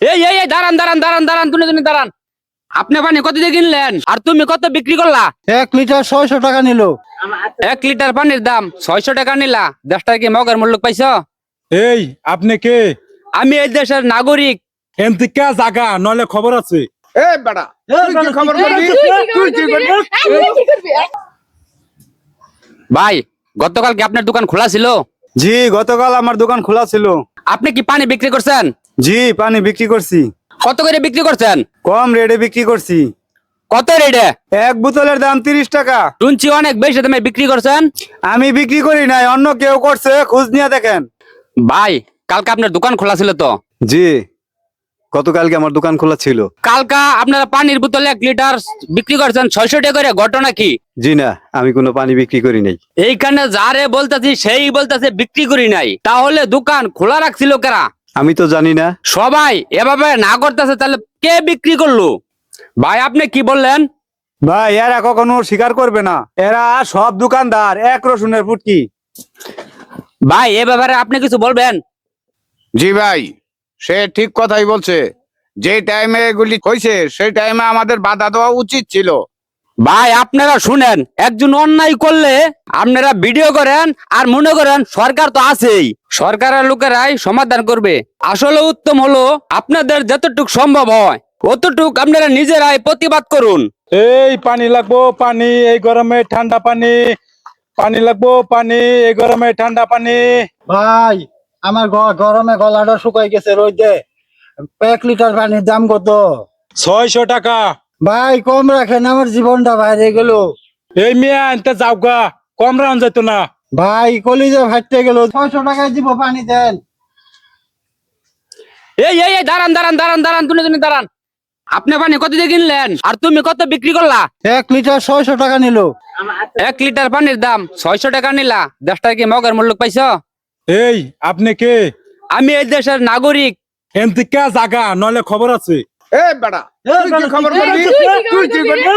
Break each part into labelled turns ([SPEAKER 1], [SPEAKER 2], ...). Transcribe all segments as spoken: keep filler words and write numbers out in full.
[SPEAKER 1] এই এই এই দাঁড়ান দাঁড়ান দাঁড়ান দাঁড়ান তুমি তুমি দাঁড়ান। আপনি পানি কত দিয়ে কিনলেন আর তুমি কত বিক্রি করলা?
[SPEAKER 2] এক লিটার ছয়শো টাকা নিল।
[SPEAKER 1] এক লিটার পানির দাম ছয়শো টাকা নিলা, দশ টাকা কি মগের মূল্য পাইছো?
[SPEAKER 3] এই আপনি কে?
[SPEAKER 1] আমি এই দেশের নাগরিক।
[SPEAKER 3] এমতি কে জাগা নলে খবর আছে।
[SPEAKER 4] এ বেটা তুই কি খবর করবি? তুই কি করবি?
[SPEAKER 1] ভাই গতকাল কি আপনার দোকান খোলা ছিল?
[SPEAKER 2] জি, গতকাল আমার দোকান খোলা ছিল।
[SPEAKER 1] আপনি কি পানি বিক্রি করছেন?
[SPEAKER 2] জি, পানি বিক্রি করছি।
[SPEAKER 1] কত করে বিক্রি করছেন?
[SPEAKER 2] কম রেটে বিক্রি করছি।
[SPEAKER 1] কত রেটে?
[SPEAKER 2] এক বোতলের দাম তিরিশ টাকা।
[SPEAKER 1] শুনছি অনেক বেশি দামে বিক্রি করছেন।
[SPEAKER 2] আমি বিক্রি করি নাই, অন্য কেউ করছে, খোঁজ নিয়ে দেখেন।
[SPEAKER 1] ভাই কালকে আপনার দোকান খোলা ছিল তো?
[SPEAKER 2] জি, গতকালকে আমার দোকান খোলা ছিল।
[SPEAKER 1] কালকা আপনারা পানির বোতলে এক লিটার বিক্রি করছেন ছয়শো টাকা করে, ঘটনা কি?
[SPEAKER 2] জি না, আমি কোনো পানি বিক্রি করি নাই।
[SPEAKER 1] এইখানে যারে বলতেছি সেই বলতেছে বিক্রি করি নাই, তাহলে দোকান খোলা রাখছিল কারা?
[SPEAKER 2] আমি তো জানি না।
[SPEAKER 1] সবাই এভাবে না করতেছে, তাহলে কে বিক্রি করলো? ভাই আপনি কি বললেন?
[SPEAKER 2] ভাই এরা কখনো স্বীকার করবে না, এরা সব দোকানদার এক রসুনের ফুটকি।
[SPEAKER 1] ভাই এ ব্যাপারে আপনি কিছু বলবেন?
[SPEAKER 4] জি ভাই, সে ঠিক কথাই বলছে। যে টাইমে এগুলি হয়েছে সেই টাইমে আমাদের বাধা দেওয়া উচিত ছিল।
[SPEAKER 1] ভাই আপনারা শুনেন, একজন অন্যায় করলে আপনারা ভিডিও করেন আর মনে করেন সরকার তো আছেই, সরকারের লোকেরাই সমাধান করবে। আসলে উত্তম হলো আপনাদের যতটুক সম্ভব হয় অতটুক আপনারা নিজেরাই প্রতিবাদ করুন।
[SPEAKER 3] এই পানি লাগবো, পানি এই গরমে ঠান্ডা পানি, পানি লাগবো, পানি এই গরমে ঠান্ডা পানি।
[SPEAKER 2] ভাই আমার গরমে গলাটা শুকাই গেছে রোদে। এক লিটার পানির দাম কত?
[SPEAKER 3] ছয়শো টাকা।
[SPEAKER 2] ভাই কম রাখেন, আমার জীবনটা বাইরে গেল।
[SPEAKER 3] এই মিয়া আনতে যাও গা, কম রান যেত না।
[SPEAKER 2] ভাই কলিজা ফাটতে গেল, ছয়শো টাকায় দিব, পানি দেন।
[SPEAKER 1] এই এই এই দাঁড়ান দাঁড়ান দাঁড়ান দাঁড়ান তুমি তুমি দাঁড়ান। আপনি পানি কত দিয়ে কিনলেন আর তুমি কত বিক্রি করলা?
[SPEAKER 2] এক লিটার ছয়শো টাকা নিল।
[SPEAKER 1] এক লিটার পানির দাম ছয়শো টাকা নিলা, দশ টাকা কি মগের মূল্য পাইছো?
[SPEAKER 3] এই আপনি কে?
[SPEAKER 1] আমি এই দেশের নাগরিক।
[SPEAKER 3] এমতি কে জাগা নলে খবর আছে।
[SPEAKER 4] এ বেটা তুই কি খবর করবি? তুই কি করবি?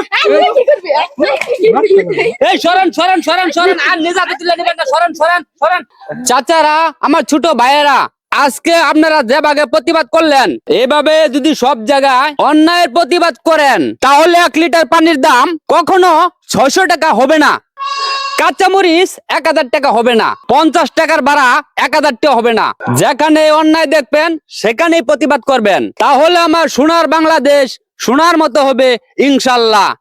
[SPEAKER 1] এই সরেন সরেন সরেন সরেন, আর নিজাতে তুলে নেবেন না, সরেন সরেন সরেন। চাচারা, আমার ছোট ভাইয়েরা, আজকে আপনারা যে ভাগে প্রতিবাদ করলেন, এভাবে যদি সব জায়গায় অন্যায়ের প্রতিবাদ করেন তাহলে এক লিটার পানির দাম কখনো ছয়শো টাকা হবে না, কাঁচামরিচ এক হাজার টাকা হবে না, পঞ্চাশ টাকার ভাড়া এক হাজার টাকা হবে না। যেখানে অন্যায় দেখবেন সেখানেই প্রতিবাদ করবেন, তাহলে আমার সোনার বাংলাদেশ সোনার মতো হবে ইনশাল্লাহ।